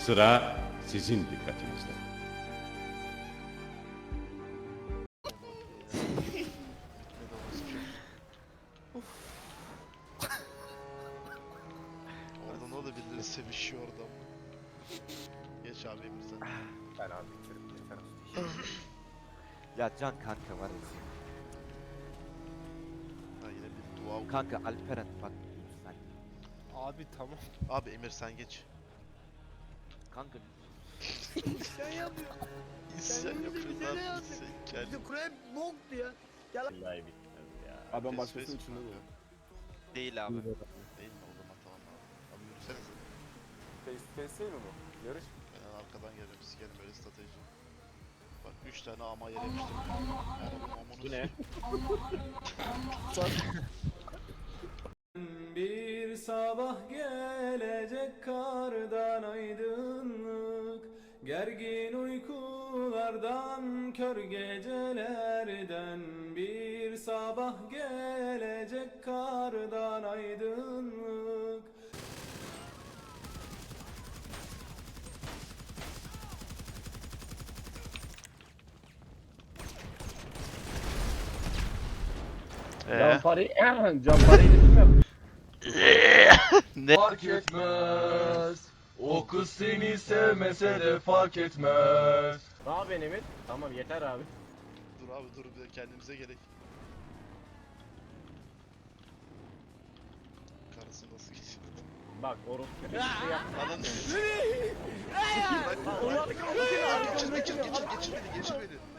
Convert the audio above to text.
Sıra sizin dikkatinizde. Oradan o da birileri sevişiyor oradan. Geç abi Emir sen. Ben abi bitirim yeter. Ya Can kanka var ya. Ha yine bir dua oku. Kanka Alperen bak lütfen. Abi tamam. Abi Emir sen geç. Kanka Sen yapıyor. İsyan bize yapıyorlar. ne yapıyorsun? İsyan kendi. Bizim kule boktu ya. Vallahi bitmez ya. Abi ben Face başkasının face içinde diyor. değil abi. Değil mi o zaman tamam abi. Abi yürüsenize. Face to face değil mi bu? Yarış. Ben arkadan geliyorum. Sikerim böyle strateji. Bak 3 tane ama yere yapıştırdım. Bu ne? Bir sabah gelecek kardan aydınlık, gergin uykulardan, kör gecelerden. Bir sabah gelecek kardan aydınlık. Campari, Campari'yi de bilmiyorum. Fark etmez. O kız seni sevmese de fark etmez. Ne yapıyorsun Emir? Tamam yeter abi. Dur abi dur bir de kendimize gerek. Karısı nasıl geçti? Bak orospu bir şey yapma. Ananı Ulan Geçir beni, geçir beni.